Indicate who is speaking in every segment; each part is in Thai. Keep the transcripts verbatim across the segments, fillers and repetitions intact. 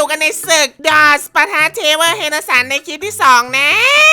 Speaker 1: อยู่กันในศึกดอสปะทะเทเวอร์เฮนสันในคลิปที่สองนะ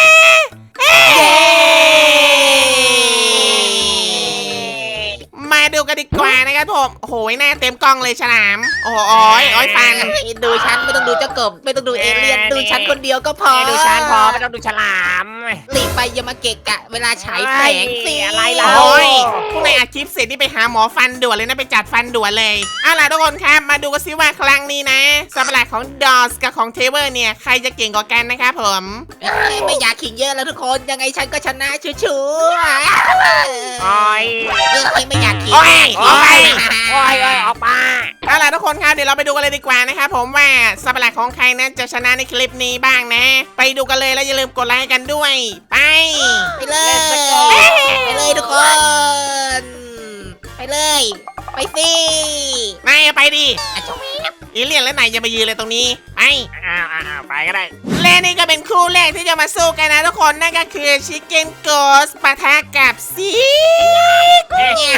Speaker 1: มาดูกันดีกว่านะครับผมโอ้โหหน้าเต็มกล้องเลยฉลามโอ้โหอ้อยอ้อยฟัน
Speaker 2: ดูฉันไม่ต้องดูเจ้ากบไม่ต้องดูเอเลี่ยนดูฉันคนเดียวก็พอ
Speaker 3: ดูฉันพอไม่ต้องดูฉลาม
Speaker 2: หลีกไปอย่ามาเกะกะเวลาฉายแสงสิ
Speaker 3: อะไรล่ะ
Speaker 1: โอ้ยพวกในอัดคลิปเสร็จนี่ไปหาหมอฟันด่วนเลยนะไปจัดฟันด่วนเลยเอาล่ะทุกคนครับมาดูกันซิว่าครั้งนี้นะสัตว์ประหลาดของดอสกับของเทเวอร์เนี่ยใครจะเก่งกว่ากันนะครับผม
Speaker 2: ไม่อยากขิงเยอะแล้วทุกคนยังไงฉันก็ชนะชัวร์
Speaker 3: โอ้ย
Speaker 2: ๆไม่อยากขิง
Speaker 1: โอ้ย
Speaker 3: โอ้ยโอ้ยโอ้ยออกมา
Speaker 1: เอาล่ะทุกคนครับเดี๋ยวเราไปดูกันเลยดีกว่านะครับผมว่าสัตว์ประหลาดของใครนั้นจะชนะในคลิปนี้บ้างนะ ไปดูกันเลยแล้วอย่าลืมกดไลค์กันด้วยไป
Speaker 2: ไปเลยไปเลยทุกคน ไปเลยไปสิ
Speaker 1: นายไปดิ
Speaker 2: อ่ะชม
Speaker 1: อีเลียนและนายอย่ามายืนเลยตรงนี้ไป
Speaker 3: อ้าวอ้าวไปก็ได้
Speaker 1: และนี่ก็เป็นคู่แรกที่จะมาสู้กันนะทุกคนนั่นก็คือชิคเก้นโกสปะทะกับซี
Speaker 2: เนี่ย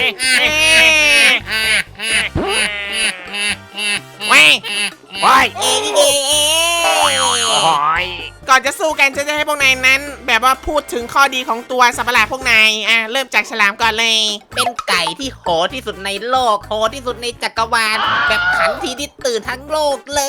Speaker 1: แว้ง
Speaker 3: โอ้ย
Speaker 2: เอ้ยเอ้ยเอ้ย
Speaker 3: โอ้ย
Speaker 1: ก่อนจะสู้กันจะจะให้พวกนายนั้น แบบว่าพูดถึงข้อดีของตัวสัตว์ประหลาดพวกนายอ่ะเริ่มจากฉลามก่อนเลย
Speaker 2: เป็นไก่ที่โหดที่สุดในโลกโหดที่สุดในจักรวาลแบบขันทีที่ตื่นทั้งโลกเลย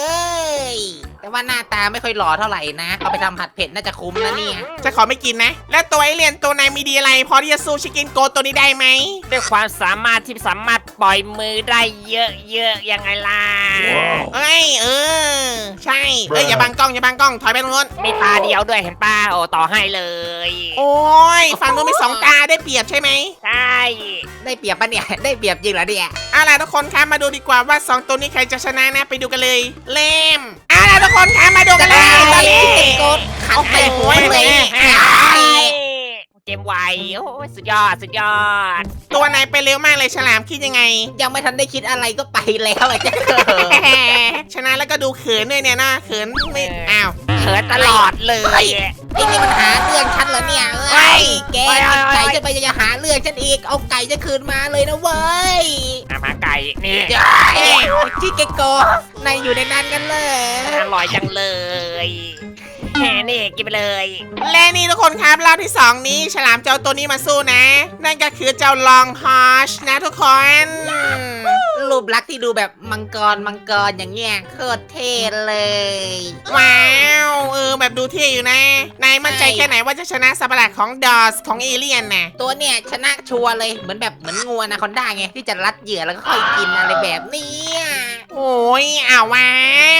Speaker 2: แต่ว่าหน้าตาไม่ค่อยหล่อเท่าไหร่นะเอาไปทำผัดเผ็ดน่าจะคุ้มนะเนี่ย
Speaker 1: จะขอไม่กินนะ แล้วตัวไอเลียนตัวนายมีดีอะไรพอที่จะสู้ชิคเก้นโกสตัวนี้ได้ไหม
Speaker 3: ด้วยความสามารถที่สามารถปล่อยมือได้เยอะๆยังไงล่ะ
Speaker 1: เอ้ยเออใช่เอ้ยอย่าบังกล้องอย่าบังกล้องถอยไปตรงนู้น
Speaker 3: มีตาเดียวด้วยเห็นป้าโอ้ต่อให้เลย
Speaker 1: โอ้ยฝั่งนู้นมีสองตาได้เปรียบใช่ไหม
Speaker 3: ใช่
Speaker 2: ได้เปรียบปะเนี่ยได้เปรียบจริงเหรอเนี่ย
Speaker 1: เอาล่ะทุกคนครับมาดูดีกว่าว่าสองตัวนี้ใครจะชนะนะไปดูกันเลยเล่มเอาล่ะทุกคนครับมาดูกันเลยตอนนี้
Speaker 2: โกดขันไป
Speaker 1: โอ้โห
Speaker 2: หัวเลย
Speaker 3: เกมไวโอ้ยสุดยอดสุดยอด
Speaker 1: ตัวนายไปเร็วมากเลยฉลามคิดยังไง
Speaker 2: ยังไม่ทันได้คิดอะไรก็ไปแล้วไอ้เจ้าเกิด
Speaker 1: ชนะแล้วก็ดูเขินด้วยเนี่ยนะเขินไม่อ้าว
Speaker 3: เขินตลอดเลย
Speaker 2: ไอ้นี่มันหาเรื่องฉันเหรอเนี่ยเอ้ยแกเอาไก่จะไปจะหาเรื่องฉันอีกเอาไก่จะคืนมาเลยนะเว้ย
Speaker 3: อามาไก่นี่
Speaker 2: เอ้ยที่เกโกนายอยู่ในนั้นกันเลย
Speaker 3: อร่อยจังเลยแหมนี่กินไปเลย
Speaker 1: และนี่ทุกคนครับรอบที่สองนี้ฉลามเจ้าตัวนี้มาสู้นะ นั่นก็คือเจ้าลองฮอชนะทุกคน
Speaker 2: รูปลักษณ์ที่ดูแบบมังกรมังกรอย่างเงี้ยโคตรเท่เลย
Speaker 1: ว้าวเออแบบดูเท่อยู่นะนายมั่นใจแค่ไหนว่าจะชนะสัตว์ประหลาดของดอสของเอเลียนน่ะ
Speaker 2: ตัวเนี่ยชนะชัวร์เลยเหมือนแบบเหมือนงูอนาคอนด้าไงที่จะรัดเหยื่อแล้วก็ค่อยกินอะไรแบบเนี้ย
Speaker 1: โอ้ยอ้าวว้าว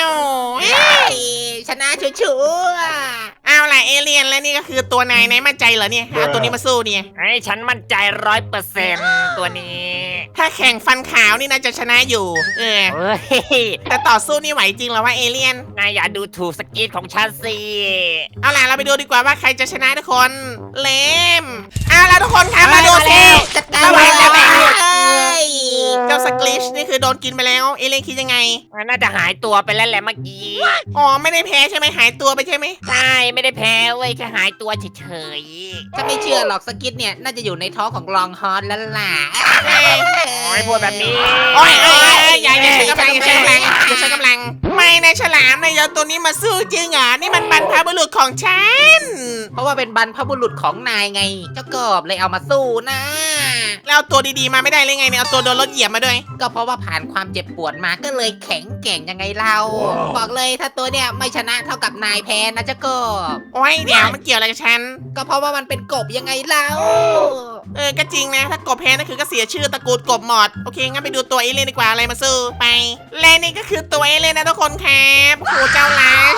Speaker 2: เอ้ยชนะชัวร์
Speaker 1: เอาล่ะเอเลียนและนี่ก็คือตัวนายนายมั่นใจเหรอเนี่ยเอาตัวนี้มาสู้เนี่ย
Speaker 3: ไอ้ฉันมั่นใจร้อยเปอร์เซ็นต์ตัวนี้
Speaker 1: ถ้าแข่งฟันขาวนี่น่าจะชนะอยู่เออ
Speaker 3: เฮ้ย
Speaker 1: แต่ต่อสู้นี่ไหวจริงเหรอว่าเอเลียน
Speaker 3: นายอย่าดูถูกสกิลของฉันสิ
Speaker 1: เอาล่ะเราไปดูดีกว่าว่าใครจะชนะทุกคนเลมเอาล่ะทุกคนครับมาดูสิ
Speaker 2: จัดการ
Speaker 1: ระวังนะแม่
Speaker 2: เลย
Speaker 1: เจ้าสกลิชนี่คือโดนกินไปแล้วเอเลียนคิดยังไง
Speaker 3: น่าจะหายตัวไปแล้วแหละเมื่อกี้
Speaker 1: อ๋อไม่ได้แพ้ใช่ไหมหายตัวไปใช่ไหม
Speaker 3: ใช่ไม่ได้แพ้เว้ยแค่หายตัวเฉย
Speaker 2: ถ้าไม่เชื่อหรอกสกิทเนี่ยน่าจะอยู่ในท้องของลองฮอนแล้วล่ะ
Speaker 1: เอ้ย
Speaker 3: ๆโอ้ยพูดแบบนี้
Speaker 1: โอ้ยโอ้ยโอ้ยอย่าอย่าใช้กำลังอย่าใช้กำลังอย่าใช้กำลังไม่นะฉลามนายเอาตัวนี้มาสู้จริงเหรอนี่มันบรรพบุรุษของฉัน
Speaker 2: เพราะว่าเป็นบรรพบุรุษของนายไง เจ้ากบเลยเอามาสู้นะ
Speaker 1: แล้วเอาตัวดีๆมาไม่ได้เลยไงเนี่ยเอาตัวโดนรถเหยียบมาด้วย
Speaker 2: ก็เพราะว่าผ่านความเจ็บปวดมาก็เลยแข็งแกร่งยังไงเรา บอกเลยถ้าตัวเนี่ยไม่ชนะเท่ากับนายแพ้นะเจ้ากบ
Speaker 1: โอ้ยเดี๋ยวมันเกี่ยวอะไรกับฉัน
Speaker 2: ก็เพราะว่ามันเป็นกบยังไงเรา
Speaker 1: เออก็จริงนะ ถ้ากบแพ้นั่นคือก็เสียชื่อตระกูลกบหมด โอเค งั้นไปดูตัวเอเลี่ยนดีกว่าอะไรมาสู้ไปและนี่ก็คือตัวเอเลี่ยนนะทุกคนครับโอ้โหเจ้าลัช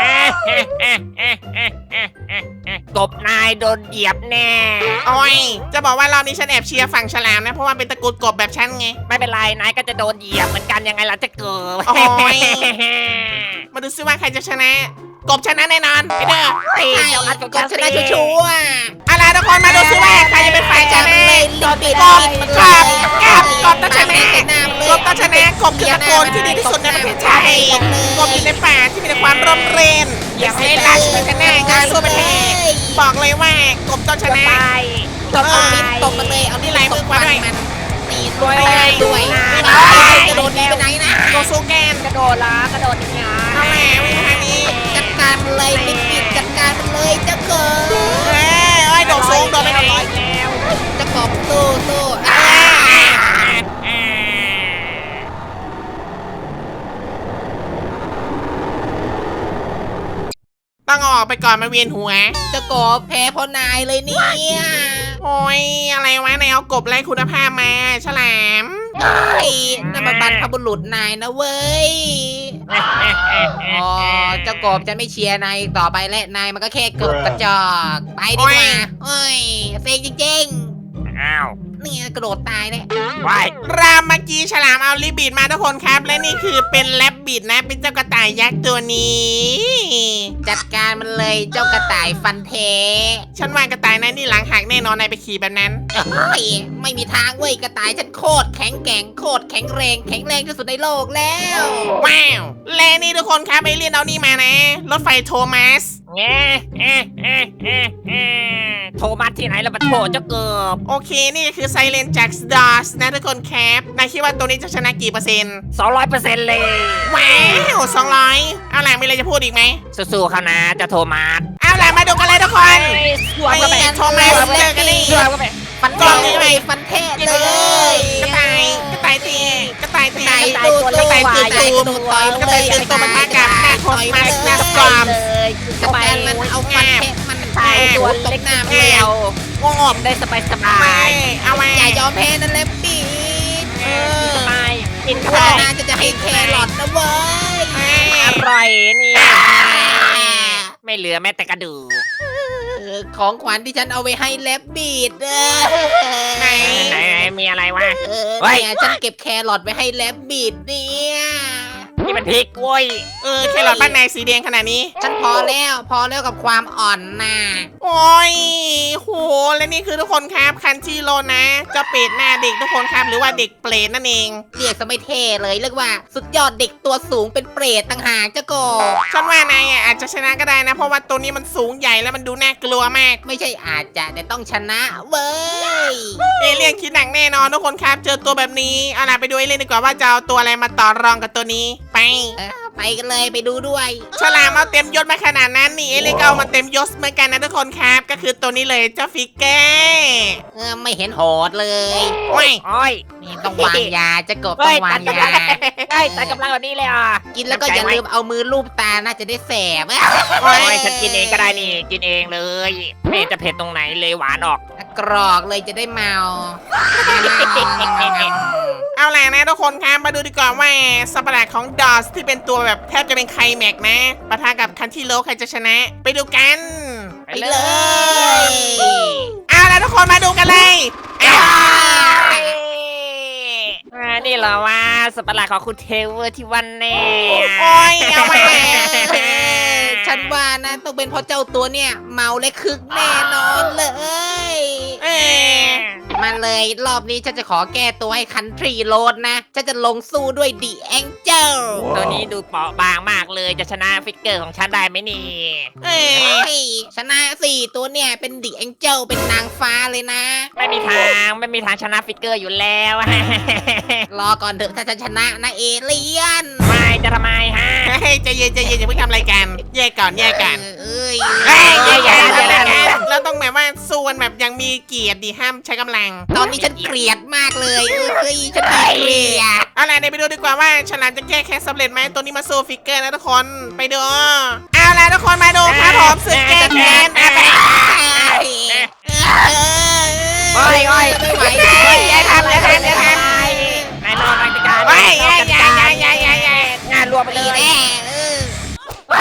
Speaker 3: กบนายโดนเหยียบแน่
Speaker 1: โอ้ยจะบอกว่ารอบนี้ฉันแอบเชียร์ฝั่งฉลามนะ เพราะว่าเป็นตระกูลกบแบบฉันไง
Speaker 3: ไม่เป็นไรนายก็จะโดนเหยียบเหมือนกันยังไงล่ะจะเกิด
Speaker 1: โอ้ย มาดูซิว่าใครจะชนะ กบชนะแน่นอนไปเด้อ
Speaker 3: เฮ้ย
Speaker 2: ใช่
Speaker 3: เจ้ารัดของ
Speaker 2: ก
Speaker 3: ฉั
Speaker 2: บ
Speaker 3: น
Speaker 2: ช
Speaker 3: สิ
Speaker 2: นะชัวร์
Speaker 1: เอาล่ะทุกคนมาดูซิว่าใครจะเป็นฝ่ายชนะ
Speaker 2: กบ
Speaker 1: กบกบกบกบต้องชนะกบต้องชนะกบคือตระกูลที่ดีที่สุดในประเทศไทยกบอยู่ในป่าที่มีแต่ความร่มรื่นอยากให้ลัชเป็นชนะงานสู้เป็นแพ้บอกเลยว่ากบต้องชนะ
Speaker 3: ไป
Speaker 2: ตบเอาลิ้นตบมันเลยเอา
Speaker 1: นี่ลายมือขวาด้วย
Speaker 2: มันนี่
Speaker 3: ด้วย
Speaker 1: ไป
Speaker 2: ด้วย
Speaker 3: นะ
Speaker 2: กระโดดหนีไปไหนนะ
Speaker 1: โดโซแกน
Speaker 3: กระโดดละกระโดดอย่างเงี้ย
Speaker 1: เอาแหละวิ่งทางนี้
Speaker 2: จัดการมันเลยลิปปิดจัดการมันเลยเจ้าเกิด
Speaker 1: เอ้ยเอ้ยโดดสูงโดดไปไหน
Speaker 3: แล้ว
Speaker 2: เจ้ากบสู้สู้อ่า
Speaker 3: อ่า
Speaker 1: ต้องเอาออกไปก่อนมาเวียนหัว
Speaker 2: เจ้ากบแพ้เพราะนายเลยเนี่ย
Speaker 1: โอ้ยอะไรวะนายเอากบไร้คุณภาพมาฉลาม
Speaker 2: ไอ้นั่นมันบรรพบุรุษนายนะเว้ยอ๋อเจ้ากบจะไม่เชียร์นายต่อไปและนายมันก็แค่เกิดกระจอกไปดีกว่าเอ้ยเซ็งจริง
Speaker 3: อ้าว
Speaker 2: ๆนี่กระโดดตายเลย
Speaker 3: วาย
Speaker 1: รามเมื่อกี้ฉลามเอาลิบบิดมาทุกคนครับ และนี่คือเป็นแรบบิดนะ เป็นเจ้ากระต่ายยักษ์ตัวนี้
Speaker 2: จัดการมันเลยเจ้ากระต่ายฟันเท
Speaker 1: ฉันว่ากระต่ายนั้นนี่หลังหักแน่นอนนายไปขี่แบบนั้น
Speaker 2: เฮ้ยไม่มีทางเว้ยกระต่ายฉันโคตรแข็งแกร่งโคตรแข็งแรงแข็งแรงที่สุดในโลกแล้ว
Speaker 1: ว้าว และนี่ทุกคนครับเอเลี่ยนเอานี่มานะ รถไฟโทมัส
Speaker 3: แง่เอ๊ะเอ๊ะเอ๊ะเอ๊ะโทมัสที่ไหนแล้วมาโทเจ้าเกือบ
Speaker 1: โอเคนี่คือไซเลนจากสดอสนะทุกคนครับนายคิดว่าตัวนี้จะชนะกี่เปอร์เซ็นต์
Speaker 3: สองร้อยเปอร์เซ็นต์เลย
Speaker 1: ว้าวสองร้อยเอาล่ะมีอะไรจะพูดอีกไหม
Speaker 3: สู้ๆเขานะเจะโทมัส
Speaker 1: เอาล่ะมาดูกันเลยทุกคน
Speaker 3: สวมเข้าไป
Speaker 1: โทมัสเจอกันนี่
Speaker 3: สวมเข้าไป
Speaker 2: ฟัน
Speaker 1: กล้องนี้
Speaker 2: เท
Speaker 1: ไหม
Speaker 2: ฟันเทศเลย
Speaker 1: กระต่ายกระต่ายตีกระต่ายตี
Speaker 2: กระ
Speaker 1: ก
Speaker 2: ต่าย
Speaker 1: ระต่าย
Speaker 2: ตัว
Speaker 1: ตื่น
Speaker 2: ตัว
Speaker 1: ตูม
Speaker 2: ต่อย
Speaker 1: กระต่ายตื่นตัวมันมากับหน้าโทมัสหน้าสกอม
Speaker 3: เลยจะ
Speaker 2: เอา
Speaker 3: ไป
Speaker 2: แฟนมันเอาฟันเทศมัน
Speaker 3: ใช่ตัว
Speaker 2: ต
Speaker 3: เล็
Speaker 2: ก
Speaker 3: ก
Speaker 2: หน้า
Speaker 3: เดียว
Speaker 1: งอบ
Speaker 3: ได้สบายสบา
Speaker 1: ไม่
Speaker 3: ย
Speaker 1: เอาไว้
Speaker 2: อย่ายอมแพ้นั่นแหละปีดเออ
Speaker 3: สบายกิน
Speaker 2: ข้า
Speaker 3: ข้าว
Speaker 2: หน้าจะจะให้แครอทนะเว้ย
Speaker 3: อร่อยนี่ไม่เหลือแม้แต่กระดูก
Speaker 2: เออของขวัญที่ฉันเอาไว้ให้แลบบีดเออ
Speaker 1: ไหน
Speaker 3: ไหนมีอะไรวะ
Speaker 2: เออ
Speaker 3: เฮ้ย
Speaker 2: เนี่ยฉันเก็บแครอทไว้ให้แลบบีดเนี่ย
Speaker 3: นี่มันพริกเว้ย
Speaker 1: เออแครอทบ้านนายสีแดงขนาดนี้
Speaker 2: ฉันพอแล้วพอแล้วกับความอ่อนน่ะ
Speaker 1: โอ้ยโหและนี่คือทุกคนครับคันชิโรนะเจ้าเป็ดหน้าเด็กทุกคนครับหรือว่าเด็กเปรตนั่นเอง
Speaker 2: เรียกซะไม่เท่เลยเรียกว่า สุดยอดเด็กตัวสูงเป็นเปรตต่างหากเจ้าโกบ
Speaker 1: ฉันว่านายอ่ะอาจจะชนะก็ได้นะ เพราะว่าตัวนี้มันสูงใหญ่แล้วมันดูน่ากลัวมาก
Speaker 2: ไม่ใช่อาจจะแต่ต้องชนะเว้ย
Speaker 1: เอเลี่ยนคิดหนักแน่นอนทุกคนครับ เจอตัวแบบนี้เอาล่ะไปดูเอเลี่ยนดีกว่าว่าจะเอาตัวอะไรมาต่อรองกับตัวนี้ ไป
Speaker 2: เออไปกันเลยไปดูด้วย
Speaker 1: ฉลามเอาเต็มยศมาขนาดนั้นนี่เอเลี่ยนก็เอามาเต็มยศเหมือนกันนะทุกคนครับ ก็คือตัวนี้เลยเจ้าฟิกเกอร์
Speaker 2: เออไม่เห็นโหดเลย
Speaker 1: โอ้ย
Speaker 3: โอ้ย
Speaker 2: นี่ต้องวางยาเจ้าโกบ
Speaker 3: เฮ้
Speaker 2: ต้อย งวางยา
Speaker 3: เฮ้ยตัดกำลังแบบนี้เลยอ่ะ
Speaker 2: กินแล้วก็อย่าลืมเอามือลูบตาน่าจะได้แสบ
Speaker 3: โอ้ยฉันกินเองก็ได้นี่กินเองเลยไม่เห็นจะเผ็ดตรงไหนเลยหวานออก
Speaker 2: กรอกเลยจะได้เมา
Speaker 1: เอาล่ะนะทุกคนครับมาดูดีกว่าว่าสัตว์ประหลาดของดอสที่เป็นตัวแบบแทบจะเป็นไคลแม็กซ์นะปะทะกับคันที่โลใครจะชนะ ไปดูกัน
Speaker 2: ไปเลย
Speaker 1: เอาล่ะทุกคนมาดูกันเลยอ้าว
Speaker 3: อ่านี่เหรอว่าสัตว์ประหลาดของคุณเทเวอร์ที่วันแน่
Speaker 1: โอ้ยเอาไว้
Speaker 2: ฉันว่านะต้องเป็นเพราะเจ้าตัวเนี่ย เมาและคึกแน่นอนเลย
Speaker 1: เออ
Speaker 2: มาเลยรอบนี้ฉันจะขอแก้ตัวให้คันทรีโรดนะ ฉันจะลงสู้ด้วยดีแองเจิล
Speaker 3: ตัวนี้ดูเปราะบางมากเลยจะชนะฟิกเกอร์ของฉันได้ไหมนี่
Speaker 1: เออ
Speaker 2: ชนะสี่ตัวเนี่ยเป็นดีแองเจิลเป็นนางฟ้าเลยนะ
Speaker 3: ไม่มีทางไม่มีทางชนะฟิกเกอร์อยู่แล้ว
Speaker 2: รอก่อนเถอะถ้าฉันชนะนะเอเลียน
Speaker 3: ไม่จะทำไมฮะ
Speaker 1: เฮ้ยใจเย็นใจเย็นอย่าเพิ่งทำอะไรกันแยกก่อนแยกกัน
Speaker 2: เอ้ย
Speaker 1: เฮ้ยแยกกันแยกกันแล้วต้องแบบว่าสู้กันแบบยังมีเกียรติดีห้ามใช้กำลัง
Speaker 2: ตอนนี้ฉันเกลียดมากเลยเอ้ยฉันเกลียด
Speaker 1: เอาล่ะเดี๋ยวไปดูดีกว่าว่าฉลามจะแก้แค้นสำเร็จไหมตัวนี้มาสู้ฟิกเกอร์นะทุกคนไปดูเอาล่ะทุกคนมาดูครับผมศึกแก้แค้นอ่ะไป
Speaker 3: โอ้ยโอ้ย
Speaker 2: ไม่ไหว
Speaker 1: เฮ้ยอย่าทำอย่าทำอย่าทำ
Speaker 3: นายนอนราชการ
Speaker 1: เฮ้ยอย่าอย่าอย่าอย่าอย่าอย่าง
Speaker 3: านรวมไปเล
Speaker 2: ตี
Speaker 3: ย
Speaker 2: แน่เอ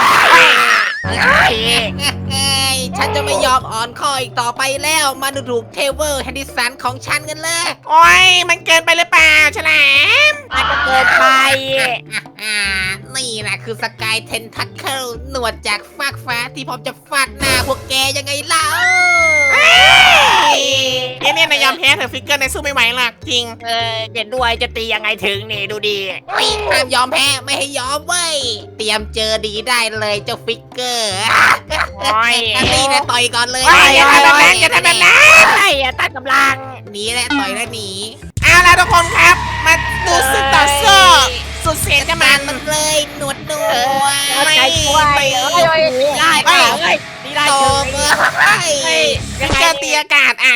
Speaker 2: อฉันจะไม่ยอมอ่อนข้ออีกต่อไปแล้วมาดูถูกเทเวอร์แฮนดิสันของฉันกันเลย
Speaker 1: โอ้ยมันเกินไปหรือเปล่าฉลาม
Speaker 3: มันก็เกินไป
Speaker 2: อ่านี่แหละคือสกายเทนทัคเคิลหนวดจากฟากฟ้าที่พร้อมจะฟาดหน้าพวกแกยังไงเล่า
Speaker 1: เอเนี่ยนายยอมแพ้เถอะฟิกเกอร์นายสู้ไม่ไหวหรอกจริง
Speaker 3: เออเห็นด้วยจะตียังไงถึงนี่ดูดี
Speaker 2: เฮ้ยห้ามยอมแพ้ไม่ให้ยอมเว้ยเตรียมเจอดีได้เลยเจ้าฟิกเกอร์
Speaker 3: โอ้ย
Speaker 2: อันนี้นะต่อยก่อนเลย
Speaker 1: เฮ้ยอย่าทำแบบนั้นอย่าทำแบบนั้น
Speaker 3: ไอ้ตัดกำลัง
Speaker 2: หนีแหละต่อยแล้วหนี
Speaker 1: เอาล่ะทุกคนครับ มาดูสึกต่อสู้สุดเสียงกัน
Speaker 2: มั
Speaker 1: มัน น
Speaker 2: มันเลยหนวดหนวด
Speaker 1: ไม่
Speaker 3: ใจกล้วย
Speaker 1: ไม่
Speaker 3: เอ้ยได้เปล่าเอ้ยนี่ได้
Speaker 2: โต
Speaker 3: เฉย
Speaker 2: เอ้ย
Speaker 3: เฮ้ย
Speaker 1: ยังเจอตีอากาศอ่ะ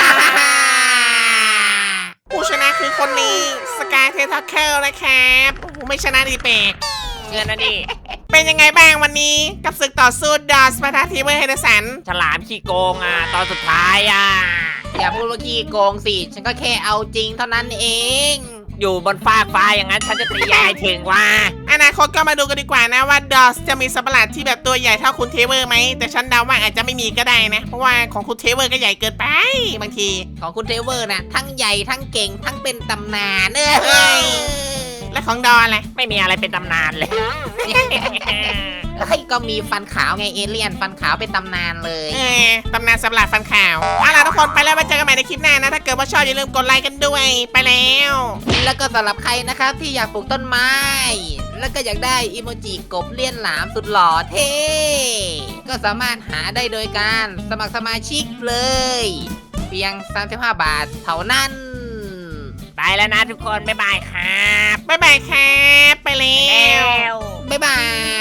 Speaker 1: ผู้ชนะคือคนนี้สกายเททัคเคิลนะครับโอ้โหไม่ชนะดีเปก
Speaker 3: เงินนะดิ
Speaker 1: เป็นยังไงบ้างวันนี้กับศึกต่อสู้ดอสปะทะทีเวอร์เฮเดสัน
Speaker 3: ฉลามขี้โกงอ่ะตอนสุดท้ายอ่ะ
Speaker 2: อย่าพูดว่าขี้โกงสิ ฉันก็แค่เอาจริงเท่านั้นเอง
Speaker 3: อยู่บนฟากฟ้าอย่างนั้นฉันจะตียายถึงว่า
Speaker 1: อนาคตก็มาดูกันดีกว่านะว่าดอสจะมีสัตว์ประหลาดที่แบบตัวใหญ่เท่าคุณเทเวอร์ไหมแต่ฉันเดาว่าอาจจะไม่มีก็ได้นะ เพราะว่าของคุณเทเวอร์ก็ใหญ่เกินไปบางที
Speaker 2: ของคุณเทเวอร์นะทั้งใหญ่ทั้งเก่งทั้งเป็นตำนานเอ
Speaker 1: เฮ้
Speaker 2: อย
Speaker 1: และของดออะไร
Speaker 3: ไม่มีอะไรเป็นตำนานเลย
Speaker 2: เฮ้ยก็มีฟันขาวไงเอเลี่ยนฟันขาวเป็นตำนานเลย
Speaker 1: เออตำนานสัตว์ประหลาดฟันขาวเอาล่ะทุกคนไปแล้วมาเจอกันใหม่ในคลิปหน้านะถ้าเกิดว่าชอบอย่าลืมกดไลค์กันด้วยไปแล้ว
Speaker 2: แล้วก็สำหรับใครนะครับที่อยากปลูกต้นไม้ แล้วก็อยากได้อีโมจิกบเลี่ยนหลามสุดหล่อเท่ ก็สามารถหาได้โดยการสมัครสมาชิกเลย เพียงสามสิบห้าบาทเท่านั้น
Speaker 3: ไปแล้วนะทุกคน บ๊ายบายครับ
Speaker 1: บ๊ายบายครับไปแล้
Speaker 3: แล้ว ว
Speaker 2: บ๊ายบาย